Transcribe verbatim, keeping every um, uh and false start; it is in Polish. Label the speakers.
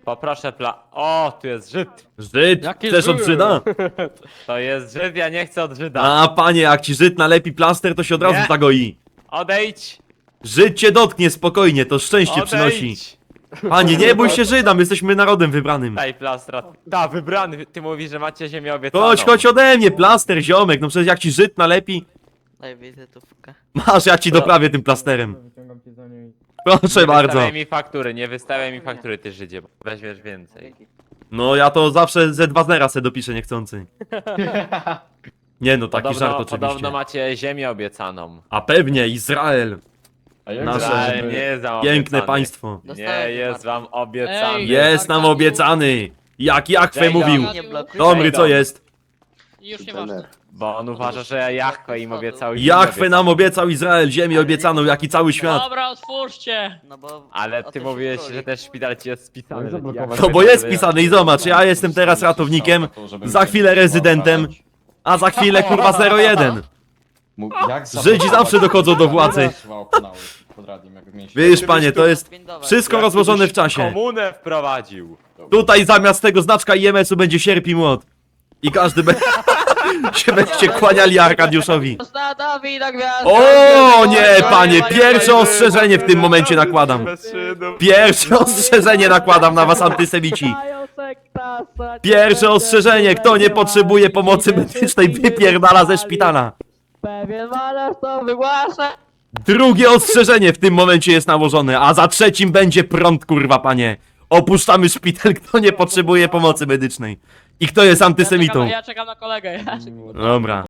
Speaker 1: Poproszę pla... O, tu jest Żyd.
Speaker 2: Żyd,
Speaker 3: Jaki
Speaker 2: chcesz od
Speaker 3: Żyd?
Speaker 2: Żyda?
Speaker 1: To jest Żyd, ja nie chcę od Żyda.
Speaker 2: A panie, jak ci Żyd nalepi plaster, to się od razu
Speaker 1: Nie.
Speaker 2: zagoi.
Speaker 1: Odejdź!
Speaker 2: Żyd cię dotknie spokojnie, to szczęście przynosi.
Speaker 1: Odejdź!
Speaker 2: Panie, nie bój się Żyda, my jesteśmy narodem wybranym.
Speaker 1: Daj plastra. Ta, wybrany, ty mówisz, że macie ziemię obiecaną.
Speaker 2: Chodź, chodź ode mnie, plaster, ziomek, no przecież jak ci Żyd nalepi,
Speaker 4: Daj wizytówkę.
Speaker 2: masz, ja ci doprawię tym plasterem.
Speaker 3: Wyciągam cię za nią i...
Speaker 2: Proszę
Speaker 1: Nie
Speaker 2: bardzo.
Speaker 1: wystawiaj mi faktury, nie wystawiaj mi faktury, ty Żydzie, bo weźmiesz więcej.
Speaker 2: No ja to zawsze ze dwa zera se dopiszę niechcący. Nie no, taki
Speaker 1: Podobno,
Speaker 2: żart oczywiście.
Speaker 1: podobno macie ziemię obiecaną.
Speaker 2: A pewnie, Izrael.
Speaker 5: A jak
Speaker 2: Nasze
Speaker 1: Izrael
Speaker 5: żeby-
Speaker 1: nie jest wam
Speaker 2: Piękne
Speaker 1: obiecany.
Speaker 2: państwo.
Speaker 1: Nie jest wam obiecany.
Speaker 3: Ej,
Speaker 2: Jest nam obiecany. Jak Jachwę
Speaker 1: Jejda.
Speaker 2: mówił.
Speaker 4: Nie blokuj.
Speaker 2: Dobry, co jest?
Speaker 3: Już nieważne.
Speaker 1: Bo on uważa, że Jachwę im obiecał ziemię
Speaker 2: Jachwę nam
Speaker 1: obiecaną.
Speaker 2: obiecał Izrael, ziemię obiecaną, jak i cały świat.
Speaker 3: Dobra, otwórzcie!
Speaker 4: No bo...
Speaker 1: Ale
Speaker 4: o
Speaker 1: ty
Speaker 4: tym
Speaker 1: mówiłeś,
Speaker 4: się
Speaker 1: że
Speaker 4: króli.
Speaker 1: też szpital ci jest spisany.
Speaker 5: Jak
Speaker 1: że
Speaker 5: zablokować?
Speaker 1: Jachwę
Speaker 2: No bo jest
Speaker 1: to
Speaker 2: pisany i zobacz, ja jestem teraz ratownikiem, za chwilę rezydentem, a za chwilę kurwa zero jeden.
Speaker 5: Mu- Jak
Speaker 2: Żydzi zawsze dochodzą do władzy. Wiesz panie, to jest wszystko rozłożone w czasie.
Speaker 1: Komunę wprowadził.
Speaker 2: Tutaj zamiast tego znaczka I M S-u będzie sierp i młot. I każdy be... się będziecie kłaniali Arkadiuszowi.
Speaker 3: Ostatowi na gwiazdę!
Speaker 2: O nie, panie, pierwsze ostrzeżenie w tym momencie nakładam. Pierwsze ostrzeżenie nakładam na was, antysemici. Pierwsze ostrzeżenie, kto nie potrzebuje pomocy medycznej, wypierdala ze szpitala.
Speaker 3: Pewien malarz to wygłasza!
Speaker 2: Drugie ostrzeżenie w tym momencie jest nałożone, a za trzecim będzie prąd, kurwa, panie. Opuszczamy szpital, kto nie potrzebuje pomocy medycznej. I kto jest
Speaker 3: Ja
Speaker 2: antysemitą.
Speaker 3: czekam, ja czekam na kolegę. Ja czekam.
Speaker 2: Dobra.